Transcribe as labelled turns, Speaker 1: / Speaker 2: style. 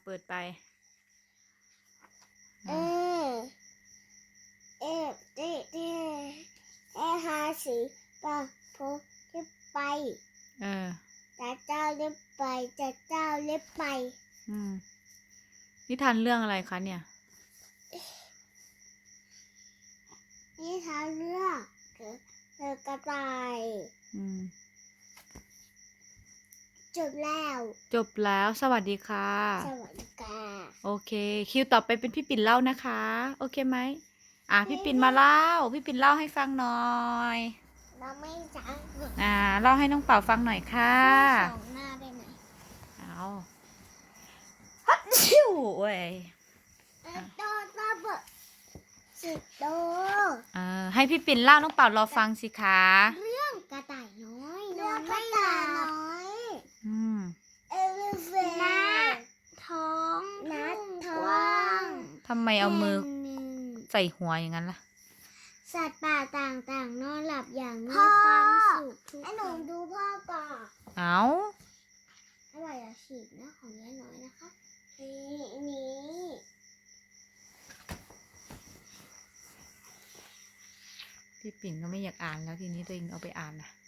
Speaker 1: เปิดไป
Speaker 2: เอเอเอเอหาสีปะโพจะไปจะเจ้าเล็บไปจะเจ้าเล็บไป
Speaker 1: นิทานเรื่องอะไรคะเนี่ย
Speaker 2: นี่ทางเรื่องเธอกระต่ายจบแล้ว
Speaker 1: สวัสดีค่ะ
Speaker 2: สวัสดีค่ะ
Speaker 1: โอเคคิวต่อไปเป็นพี่ปิ่นเล่านะคะโอเคไหมพี่ปิ่นมาเล่าพี่ปิ่นเล่าให้ฟังหน่อย
Speaker 2: เราไม่จัง
Speaker 1: เล่าให้น้องเป่าฟังหน่อยค่ะ
Speaker 2: สองหน้าได้ไหม
Speaker 1: ฮัตชิวเว้ย
Speaker 2: โดนระเบิดสิโด
Speaker 1: ให้พี่ปิ่นเล่าน้องเป่ารอฟังสิคะ
Speaker 2: เรื่องกระต่ายน้อยนอนไม่หลับเอลิเฟนท้อง
Speaker 1: ทำไมเอามือใส่หัวอย่างนั้นล่ะ
Speaker 2: สัตว์ป่าต่างๆนอนหลับอย่างมีความสุขทุกคนหนูดูพ่อก่อนอร่อยฉีกนะของยายน้อยนะคะนี้
Speaker 1: พี่ปิ่นก็ไม่อยากอ่านแล้วทีนี้ตัวเองเอาไปอ่านนะ